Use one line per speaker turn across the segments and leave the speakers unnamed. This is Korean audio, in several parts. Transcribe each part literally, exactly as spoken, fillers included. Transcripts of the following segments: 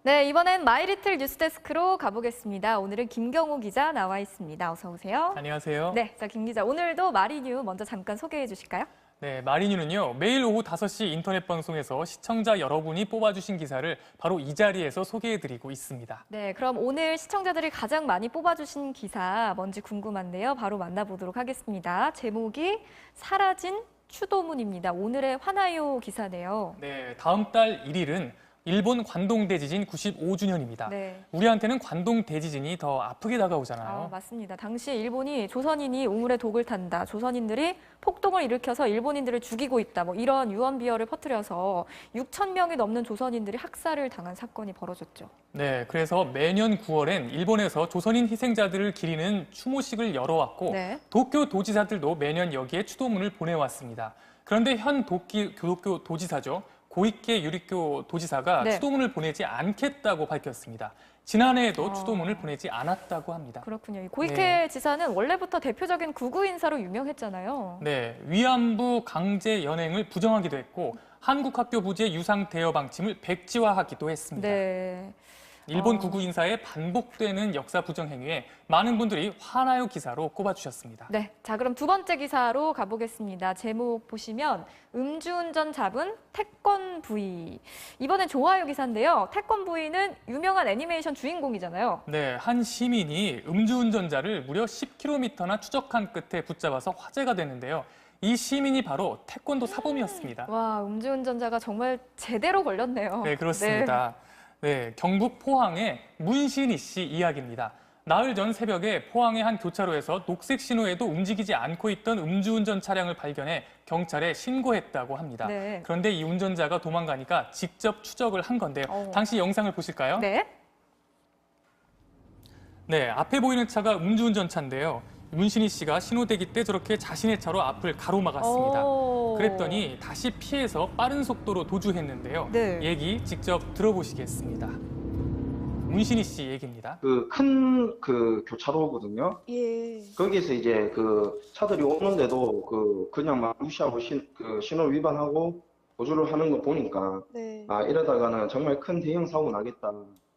네, 이번엔 마이리틀 뉴스데스크로 가보겠습니다. 오늘은 김경호 기자 나와 있습니다. 어서 오세요.
안녕하세요.
네, 자, 김 기자, 오늘도 마리뉴 먼저 잠깐 소개해 주실까요?
네, 마리뉴는요, 매일 오후 다섯 시 인터넷 방송에서 시청자 여러분이 뽑아주신 기사를 바로 이 자리에서 소개해드리고 있습니다.
네, 그럼 오늘 시청자들이 가장 많이 뽑아주신 기사 뭔지 궁금한데요. 바로 만나보도록 하겠습니다. 제목이 사라진 추도문입니다. 오늘의 화나요 기사네요.
네, 다음 달 일 일은 일본 관동 대지진 구십오 주년입니다.
네.
우리한테는 관동 대지진이 더 아프게 다가오잖아요.
아, 맞습니다. 당시 일본이 조선인이 우물에 독을 탄다. 조선인들이 폭동을 일으켜서 일본인들을 죽이고 있다. 뭐 이런 유언 비어를 퍼뜨려서 육천 명이 넘는 조선인들이 학살을 당한 사건이 벌어졌죠.
네, 그래서 매년 구월엔 일본에서 조선인 희생자들을 기리는 추모식을 열어왔고
네.
도쿄 도지사들도 매년 여기에 추도문을 보내왔습니다. 그런데 현 도끼, 도쿄 도지사죠. 고이케 유리교 도지사가
네.
추도문을 보내지 않겠다고 밝혔습니다. 지난해에도
아.
추도문을 보내지 않았다고 합니다.
그렇군요. 이 고이케
네.
지사는 원래부터 대표적인 극우 인사로 유명했잖아요.
네, 위안부 강제 연행을 부정하기도 했고 한국 학교 부지의 유상 대여 방침을 백지화하기도 했습니다.
네.
일본
어.
극우 인사의 반복되는 역사 부정 행위에 많은 분들이 화나요 기사로 꼽아주셨습니다.
네. 자, 그럼 두 번째 기사로 가보겠습니다. 제목 보시면 음주운전 잡은 태권 부이. 이번엔 좋아요 기사인데요. 태권 부이는 유명한 애니메이션 주인공이잖아요.
네, 한 시민이 음주운전자를 무려 십 킬로미터나 추적한 끝에 붙잡아서 화제가 됐는데요. 이 시민이 바로 태권도 사범이었습니다.
와, 음주운전자가 정말 제대로 걸렸네요.
네, 그렇습니다. 네, 경북 포항의 문신희 씨 이야기입니다. 나흘 전 새벽에 포항의 한 교차로에서 녹색 신호에도 움직이지 않고 있던 음주운전 차량을 발견해 경찰에 신고했다고 합니다.
네.
그런데 이 운전자가 도망가니까 직접 추적을 한 건데요.
어.
당시 영상을 보실까요?
네.
네, 앞에 보이는 차가 음주운전 차인데요. 문신희 씨가 신호대기 때 저렇게 자신의 차로 앞을 가로막았습니다.
오.
그랬더니 다시 피해서 빠른 속도로 도주했는데요.
네.
얘기 직접 들어보시겠습니다. 문신희 씨 얘기입니다.
그 큰 그 교차로거든요.
예.
거기서 이제 그 차들이 오는데도 그 그냥 막 무시하고 신, 그 신호 위반하고 도주를 하는 거 보니까
네.
아 이러다가는 정말 큰 대형 사고 나겠다.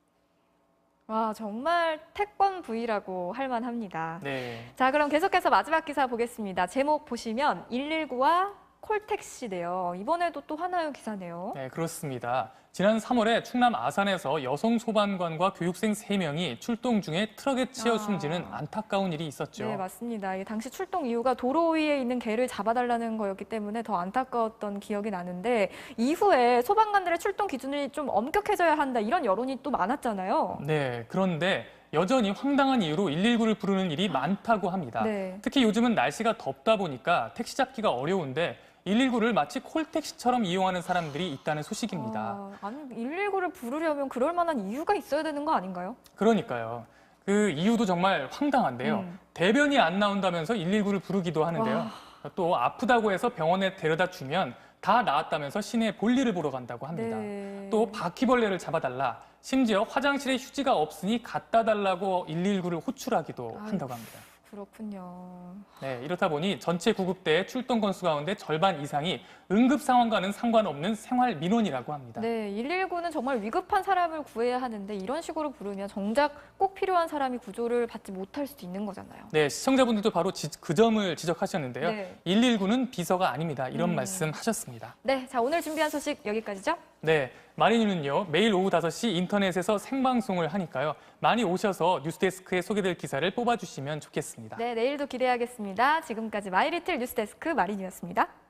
와, 정말 태권 부이라고 할 만합니다.
네.
자, 그럼 계속해서 마지막 기사 보겠습니다. 제목 보시면 일일구와 콜택시네요. 이번에도 또 하나요 기사네요.
네, 그렇습니다. 지난 삼월에 충남 아산에서 여성 소방관과 교육생 세 명이 출동 중에 트럭에 치여
아.
숨지는 안타까운 일이 있었죠.
네, 맞습니다. 이 당시 출동 이유가 도로 위에 있는 개를 잡아달라는 거였기 때문에 더 안타까웠던 기억이 나는데 이후에 소방관들의 출동 기준이 좀 엄격해져야 한다 이런 여론이 또 많았잖아요.
네, 그런데 여전히 황당한 이유로 일일구를 부르는 일이 많다고 합니다.
네.
특히 요즘은 날씨가 덥다 보니까 택시 잡기가 어려운데 일일구를 마치 콜택시처럼 이용하는 사람들이 있다는 소식입니다.
아, 아니, 일일구를 부르려면 그럴 만한 이유가 있어야 되는 거 아닌가요?
그러니까요. 그 이유도 정말 황당한데요.
음.
대변이 안 나온다면서 일일구를 부르기도 하는데요.
와.
또 아프다고 해서 병원에 데려다 주면 다 나았다면서 시내 볼일을 보러 간다고 합니다.
네.
또 바퀴벌레를 잡아달라. 심지어 화장실에 휴지가 없으니 갖다 달라고 일일구를 호출하기도
아유.
한다고 합니다.
그렇군요.
네, 이렇다 보니 전체 구급대의 출동 건수 가운데 절반 이상이 응급 상황과는 상관없는 생활 민원이라고 합니다.
네, 일일구는 정말 위급한 사람을 구해야 하는데 이런 식으로 부르면 정작 꼭 필요한 사람이 구조를 받지 못할 수도 있는 거잖아요.
네, 시청자분들도 바로 지, 그 점을 지적하셨는데요.
네.
일일구는 비서가 아닙니다. 이런
음.
말씀 하셨습니다.
네, 자, 오늘 준비한 소식 여기까지죠?
네, 마리뉴는요 매일 오후 다섯 시 인터넷에서 생방송을 하니까요. 많이 오셔서 뉴스데스크에 소개될 기사를 뽑아주시면 좋겠습니다.
네, 내일도 기대하겠습니다. 지금까지 마이리틀 뉴스데스크 마리뉴였습니다.